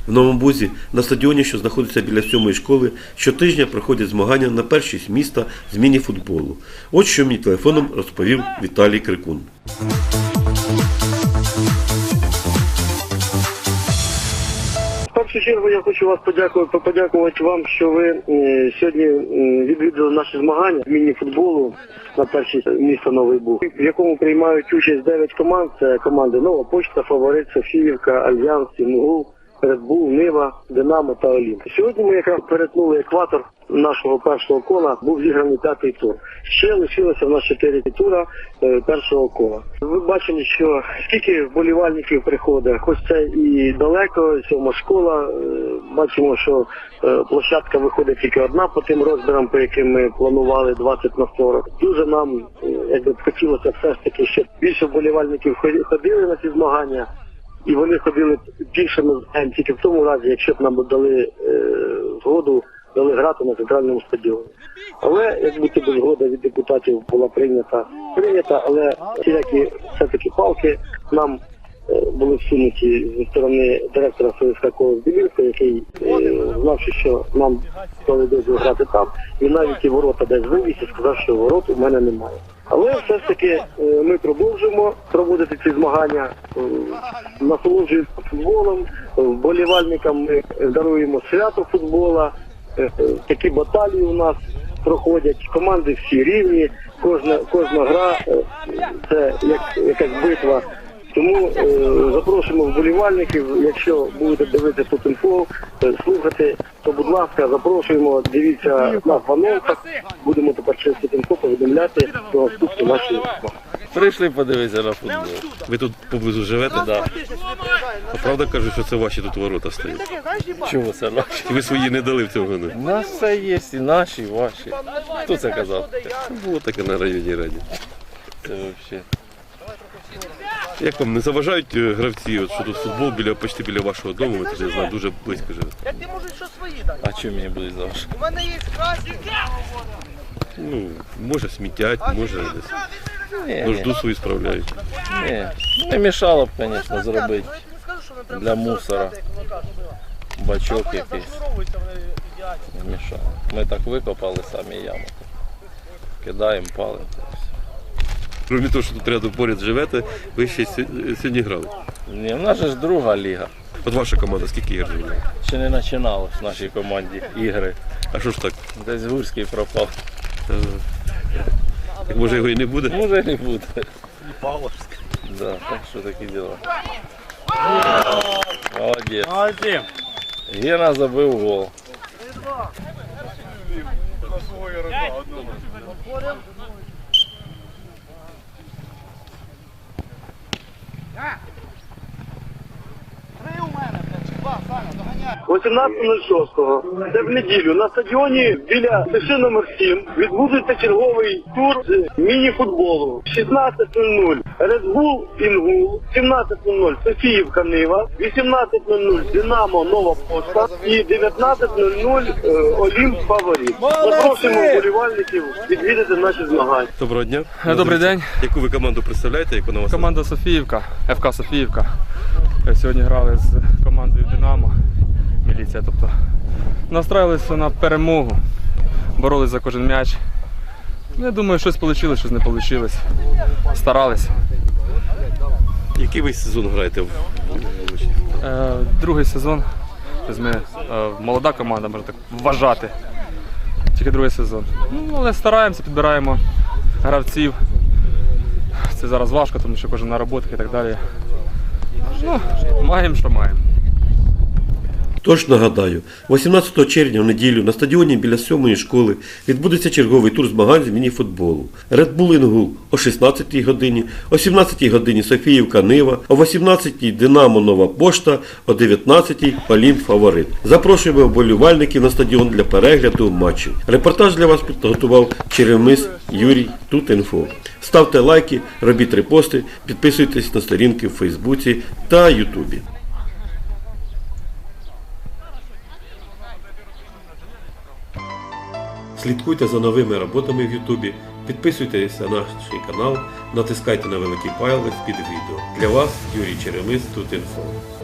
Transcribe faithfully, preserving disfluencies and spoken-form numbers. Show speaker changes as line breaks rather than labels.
В Новому Бузі на стадіоні, що знаходиться біля сьомої школи, щотижня проходять змагання на першість міста з міні-футболу. От що мені телефоном розповів Віталій Крикун.
В першу чергу я хочу вас подякувати, подякувати вам, що ви е, сьогодні е, відвідали наші змагання з міні-футболу на першість міста Новий Буг, в якому приймають участь дев'ять команд. Це команди Нова Почта, Фаворит, Софіївка, Альянс, Інгул, Ред Бул, Нива, Динамо та Олімп. Сьогодні ми якраз перетнули екватор нашого першого кола, був зіграний п'ятий тур. Ще лишилося в нас чотири тура е, першого кола. Ви бачили, що скільки вболівальників приходить, хоч це і далеко, сьома школа, е, бачимо, що е, площадка виходить тільки одна по тим розмірам, по яким ми планували двадцять на сорок. Дуже нам е, якби хотілося все ж таки, щоб більше вболівальників ходили на ці змагання. І вони ходили більшими змаганнями тільки в тому разі, якщо б нам дали е, згоду, дали грати на центральному стадіоні. Але, як будь би згода від депутатів була прийнята, прийнята, але всілякі все-таки палки нам е, були всунуті зі сторони директора ФСК «Колос Білівка», який, е, знавши, що нам дали дозвіл грати там, він навіть і ворота десь вивіз і сказав, що ворот у мене немає. Але все ж таки ми продовжуємо проводити ці змагання, насолоджуємося футболом, вболівальникам ми даруємо свято футбола, такі баталії у нас проходять, команди всі рівні, кожна, кожна гра це як якась битва. Тому е, запрошуємо вболівальників, якщо будете дивитися тут інфо, слухати, то, будь ласка, запрошуємо, дивіться нас в анонсах, будемо тепер через тут інфо повідомляти про наступні наші змагання.
Прийшли подивитися на футбол.
Ви тут поблизу живете?
Так. Да.
А правда кажуть, що це ваші тут ворота стоять?
Чому це наші?
Ви свої не дали в цьому году?
У нас все є, і наші, і ваші. Хто це казав?
Було таке на районній раді.
Це взагалі.
Як вам не заважають е, гравці, от, що тут футбол біля, почти біля вашого дому, ви тут, я знаю, дуже близько живете?
Я ти можу що свої дати.
А чому мені будуть завжди?
У мене є красі.
Ну, може смітять, може десь
Ні,
нужду свою справляють.
ні. Не мішало б, звісно, зробити для мусора бачок якийсь. Не мішало. Ми так викопали самі яму. Кидаємо, палимо.
Крім того, що тут рядом поряд живете, ви ще сьогодні грали.
Ні, в нас же ж друга ліга.
От ваша команда скільки ігор грала?
Ще не починалось в нашій команді ігри.
А що ж так?
Десь Гурський пропав.
Так може його і не буде?
Може не буде. Павловський. Да, так що такі діла. Молодець.
Молодець.
Гена забив гол.
вісімнадцятого нуль шостого, це в неділю, на стадіоні біля ТШ номер сім відбудеться черговий тур з міні-футболу. шістнадцять нуль нуль Ред Бул Інгул, сімнадцять нуль нуль Софіївка Нива, вісімнадцять нуль нуль Динамо Нова Почта і дев'ятнадцять нуль нуль Олімп Фаворит. Запрошуємо вболівальників відвідати наші змагання.
Доброго дня.
Добрий день.
Яку ви команду представляєте? Яку на вас?
Команда Софіївка, ФК Софіївка. Сьогодні грали з командою Динамо, міліція, тобто настраювалися на перемогу, боролись за кожен м'яч. Я думаю, щось вийшло, щось не вийшло. Старалися.
Який ви сезон граєте?
Е, другий сезон. Ми, е, молода команда, можна так вважати. Тільки другий сезон. Ну, але стараємося, підбираємо гравців. Це зараз важко, тому що кожен на роботах і так далі. Ну, маємо, що маємо.
Тож нагадаю, вісімнадцятого червня в неділю на стадіоні біля сьомої школи відбудеться черговий тур змагань з міні-футболу. Ред Бул Інгул о шістнадцятій годині, о сімнадцятій годині Софіївка Нива, о вісімнадцятій Динамо Нова Пошта, о дев'ятнадцятій Олімп Фаворит. Запрошуємо вболівальників на стадіон для перегляду матчів. Репортаж для вас підготував Черемис Юрій Тут.Інфо. Ставте лайки, робіть репости, підписуйтесь на сторінки в Фейсбуці та Ютубі. Слідкуйте за новими роботами в Ютубі, підписуйтесь на наш канал, натискайте на великий палець під відео. Для вас Юрій Черемис Тут.Інфо.